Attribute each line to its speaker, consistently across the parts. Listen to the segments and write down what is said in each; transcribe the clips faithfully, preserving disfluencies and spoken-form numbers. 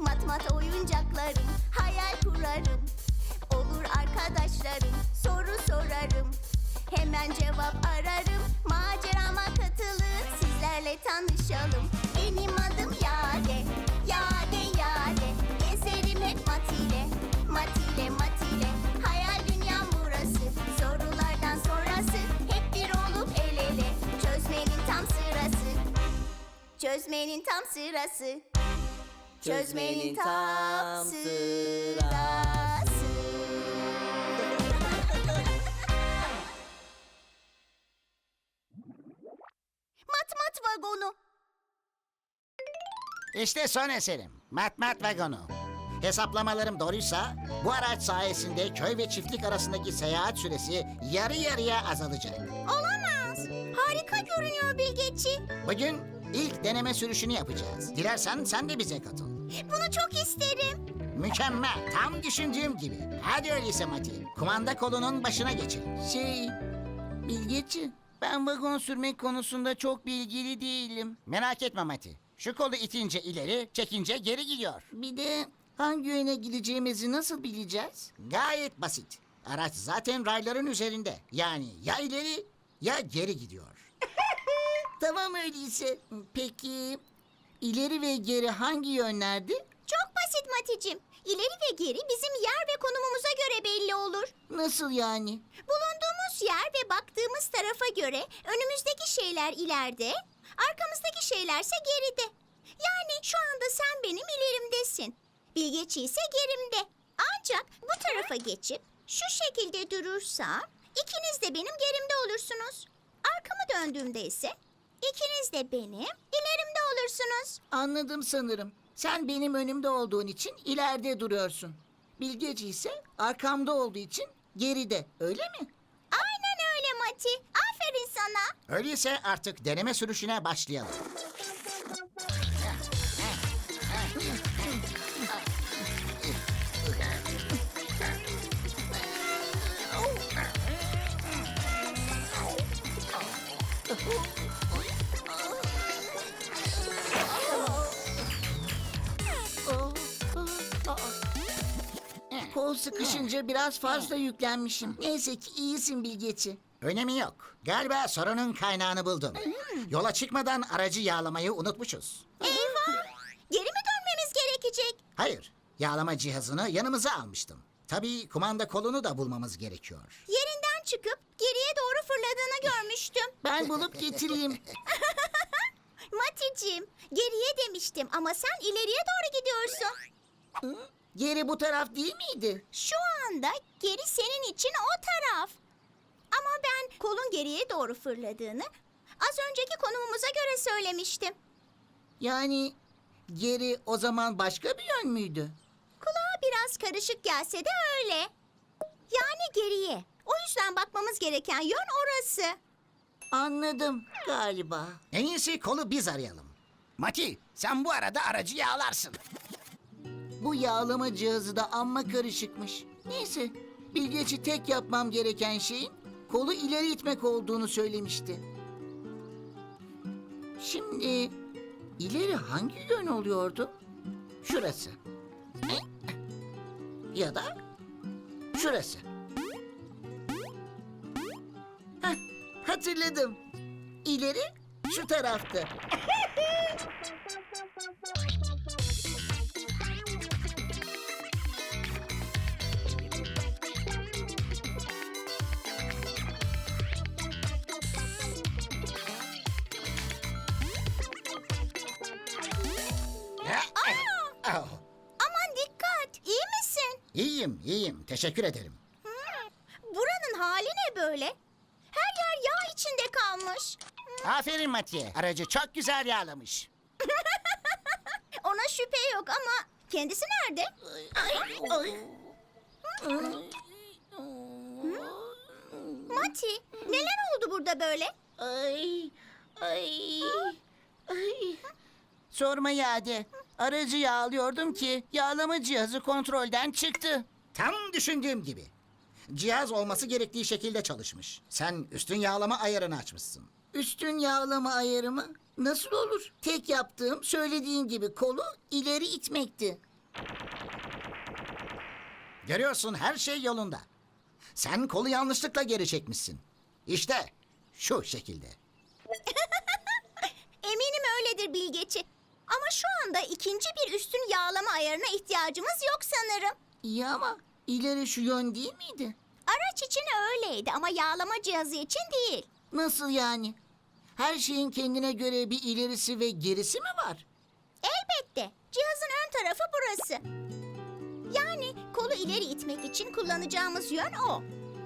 Speaker 1: Mat mat oyuncaklarım, hayal kurarım. Olur arkadaşlarım, soru sorarım. Hemen cevap ararım, macerama katılın, sizlerle tanışalım. Benim adım Yade, Yade Yade. Gezerim hep mat ile, mat ile mat ile. Hayal dünyam burası, sorulardan sonrası. Hep bir olup el ele, çözmenin tam sırası. Çözmenin tam sırası. Çözmenin tam sırası. Mat mat vagonu.
Speaker 2: İşte son eserim. Mat Mat Vagonu. Hesaplamalarım doğruysa bu araç sayesinde köy ve çiftlik arasındaki seyahat süresi yarı yarıya azalacak.
Speaker 1: Olamaz. Harika görünüyor Bilgeci.
Speaker 2: Bugün ilk deneme sürüşünü yapacağız. Dilersen sen de bize katıl.
Speaker 1: Bunu çok isterim.
Speaker 2: Mükemmel, tam düşündüğüm gibi. Hadi öyleyse Mati, kumanda kolunun başına geçelim.
Speaker 3: Şey, Bilgeci, ben vagon sürmek konusunda çok bilgili değilim.
Speaker 2: Merak etme Mati, şu kolu itince ileri, çekince geri gidiyor.
Speaker 3: Bir de hangi yöne gideceğimizi nasıl bileceğiz?
Speaker 2: Gayet basit. Araç zaten rayların üzerinde. Yani ya ileri ya geri gidiyor.
Speaker 3: Tamam öyleyse. Peki, ileri ve geri hangi yönlerdi?
Speaker 1: Çok basit Maticim. İleri ve geri bizim yer ve konumumuza göre belli olur.
Speaker 3: Nasıl yani?
Speaker 1: Bulunduğumuz yer ve baktığımız tarafa göre önümüzdeki şeyler ileride, arkamızdaki şeylerse geride. Yani şu anda sen benim ilerimdesin. Bilgeci ise gerimde. Ancak bu tarafa geçip şu şekilde durursam ikiniz de benim gerimde olursunuz. Arkamı döndüğümde ise ikiniz de benim ilerimde olursunuz.
Speaker 3: Anladım sanırım. Sen benim önümde olduğun için ileride duruyorsun. Bilgeci ise arkamda olduğu için geride, öyle mi?
Speaker 1: Aynen öyle Mati. Aferin sana.
Speaker 2: Öyleyse artık deneme sürüşüne başlayalım.
Speaker 3: Kol sıkışınca biraz fazla yüklenmişim. Neyse ki iyisin Bilgeci.
Speaker 2: Önemi yok. Galiba sorunun kaynağını buldum. Yola çıkmadan aracı yağlamayı unutmuşuz.
Speaker 1: Eyvah! Geri mi dönmemiz gerekecek?
Speaker 2: Hayır, yağlama cihazını yanımıza almıştım. Tabii kumanda kolunu da bulmamız gerekiyor.
Speaker 1: Yerinden çıkıp geriye doğru fırladığını görmüştüm.
Speaker 3: Ben bulup getireyim.
Speaker 1: Maticim, geriye demiştim ama sen ileriye doğru gidiyorsun.
Speaker 3: Geri bu taraf değil miydi?
Speaker 1: Şu anda geri senin için o taraf. Ama ben kolun geriye doğru fırladığını az önceki konumumuza göre söylemiştim.
Speaker 3: Yani geri o zaman başka bir yön müydü?
Speaker 1: Kulağa biraz karışık gelse de öyle. Yani geriye. O yüzden bakmamız gereken yön orası.
Speaker 3: Anladım galiba.
Speaker 2: En iyisi kolu biz arayalım. Mati, sen bu arada aracı yağlarsın.
Speaker 3: Bu yağlama cihazı da amma karışıkmış. Neyse, Bilgeci tek yapmam gereken şeyin kolu ileri itmek olduğunu söylemişti. Şimdi ileri hangi yön oluyordu? Şurası. Ya da şurası. Heh, hatırladım. İleri şu taraftı.
Speaker 2: Oh,
Speaker 1: Aman dikkat, iyi misin?
Speaker 2: iyiyim, iyiyim. Teşekkür ederim.
Speaker 1: Buranın hali ne böyle? Her yer yağ içinde kalmış.
Speaker 2: Aferin Mati'ye. Aracı çok güzel yağlamış.
Speaker 1: Ona şüphe yok ama kendisi nerede? Mati, neler oldu burada böyle?
Speaker 3: Ay, ay, ay. Sorma Yade. Aracı yağlıyordum ki yağlama cihazı kontrolden çıktı.
Speaker 2: Tam düşündüğüm gibi. Cihaz olması gerektiği şekilde çalışmış. Sen üstün yağlama ayarını açmışsın.
Speaker 3: Üstün yağlama ayarı mı? Nasıl olur? Tek yaptığım söylediğin gibi kolu ileri itmekti.
Speaker 2: Görüyorsun, her şey yolunda. Sen kolu yanlışlıkla geri çekmişsin. İşte şu şekilde.
Speaker 1: Eminim öyledir Bilgeci. Ama şu anda ikinci bir üstün yağlama ayarına ihtiyacımız yok sanırım.
Speaker 3: İyi ama ileri şu yön değil miydi?
Speaker 1: Araç için öyleydi ama yağlama cihazı için değil.
Speaker 3: Nasıl yani? Her şeyin kendine göre bir ilerisi ve gerisi mi var?
Speaker 1: Elbette. Cihazın ön tarafı burası. Yani kolu ileri itmek için kullanacağımız yön o.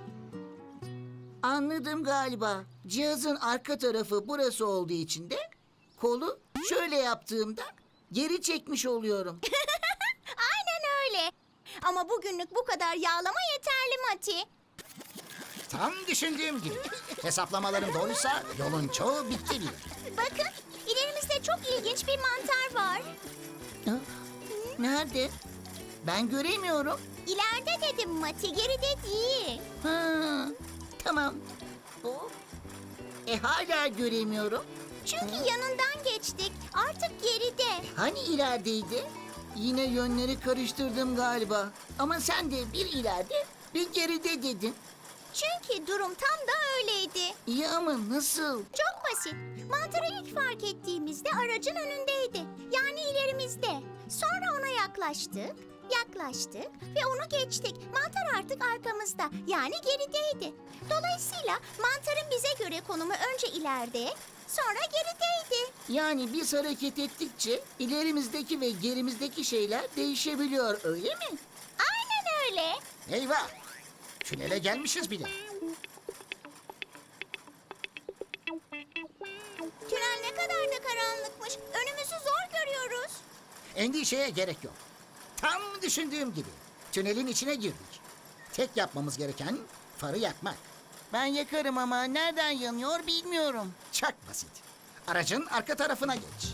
Speaker 3: Anladım galiba. Cihazın arka tarafı burası olduğu için de kolu şöyle yaptığımda geri çekmiş oluyorum.
Speaker 1: Aynen öyle. Ama bugünlük bu kadar yağlama yeterli Mati.
Speaker 2: Tam düşündüğüm gibi. Hesaplamalarım doğruysa yolun çoğu bitti bile.
Speaker 1: Bakın, ilerimizde çok ilginç bir mantar var.
Speaker 3: Ha? Nerede? Ben göremiyorum.
Speaker 1: İleride dedim Mati, geride değil.
Speaker 3: Ha, tamam. O. E hala göremiyorum.
Speaker 1: Çünkü yanından geçtik. Artık geride.
Speaker 3: Hani ilerideydi? Yine yönleri karıştırdım galiba. Ama sen de bir ileride bir geride dedin.
Speaker 1: Çünkü durum tam da öyleydi.
Speaker 3: İyi ama nasıl?
Speaker 1: Çok basit. Mantarı ilk fark ettiğimizde aracın önündeydi. Yani ilerimizde. Sonra ona yaklaştık, yaklaştık ve onu geçtik. Mantar artık arkamızda. Yani gerideydi. Dolayısıyla mantarın bize göre konumu önce ileride, sonra gerideydi.
Speaker 3: Yani biz hareket ettikçe ilerimizdeki ve gerimizdeki şeyler değişebiliyor öyle mi?
Speaker 1: Aynen öyle.
Speaker 2: Eyvah! Tünele gelmişiz bile.
Speaker 1: Tünel ne kadar da karanlıkmış. Önümüzü zor görüyoruz.
Speaker 2: Endişeye gerek yok. Tam düşündüğüm gibi. Tünelin içine girdik. Tek yapmamız gereken farı yakmak.
Speaker 3: Ben yakarım ama nereden yanıyor bilmiyorum.
Speaker 2: Çok basit. Aracın arka tarafına geç.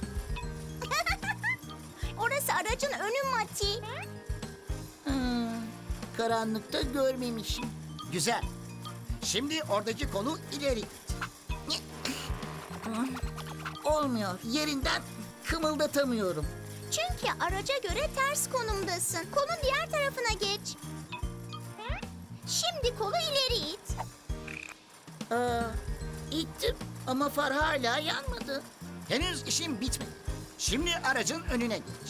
Speaker 1: Orası aracın önü Mati.
Speaker 3: Hmm, karanlıkta görmemişim.
Speaker 2: Güzel. Şimdi oradaki kolu ileri it.
Speaker 3: Olmuyor. Yerinden kımıldatamıyorum.
Speaker 1: Çünkü araca göre ters konumdasın. Kolun diğer tarafına geç. Şimdi kolu ileri it.
Speaker 3: Aa, ittim ama far hala yanmadı.
Speaker 2: Henüz işim bitmedi. Şimdi aracın önüne geç.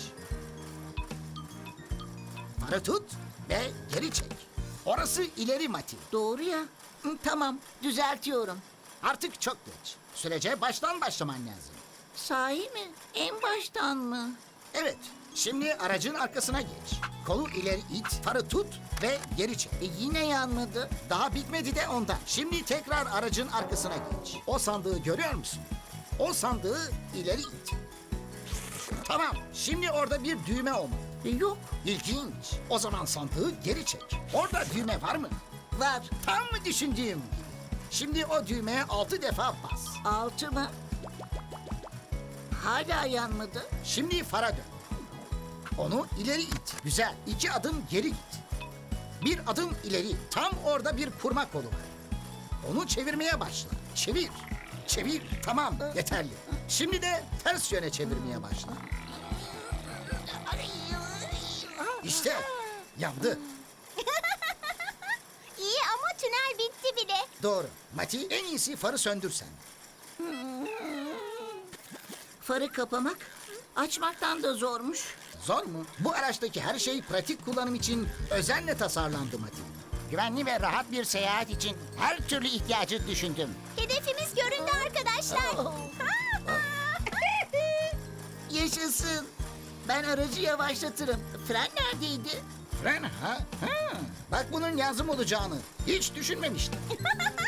Speaker 2: Farı tut ve geri çek. Orası ileri Mati.
Speaker 3: Doğru ya. Hı, tamam, düzeltiyorum.
Speaker 2: Artık çok geç. Sürece baştan başlaman lazım.
Speaker 3: Sahi mi? En baştan mı?
Speaker 2: Evet. Şimdi aracın arkasına geç. Kolu ileri it, farı tut ve geri çek.
Speaker 3: E, yine yanmadı.
Speaker 2: Daha bitmedi de ondan. Şimdi tekrar aracın arkasına geç. O sandığı görüyor musun? O sandığı ileri it. Tamam. Şimdi orada bir düğme olmalı.
Speaker 3: E, yok.
Speaker 2: İlginç. O zaman sandığı geri çek. Orada düğme var mı?
Speaker 3: Var.
Speaker 2: Tam mı düşündüğüm gibi? Şimdi o düğmeye altı defa bas.
Speaker 3: Altı mı? Hala yanmadı.
Speaker 2: Şimdi fara dön. Onu ileri it. Güzel. İki adım geri git. Bir adım ileri. Tam orada bir kurma kolu var. Onu çevirmeye başla. Çevir. Çevir. Tamam. Yeterli. Şimdi de ters yöne çevirmeye başla. İşte yandı.
Speaker 1: İyi ama tünel bitti bile.
Speaker 2: Doğru. Mati, en iyisi farı söndürsen.
Speaker 3: Farı kapamak açmaktan da zormuş.
Speaker 2: Zor mu? Bu araçtaki her şey pratik kullanım için özenle tasarlandı Mati. Güvenli ve rahat bir seyahat için her türlü ihtiyacı düşündüm.
Speaker 1: Hedefimiz göründü arkadaşlar.
Speaker 3: Yaşasın. Ben aracı yavaşlatırım. Fren neredeydi?
Speaker 2: Fren ha? ha. Bak bunun yazım olacağını hiç düşünmemiştim.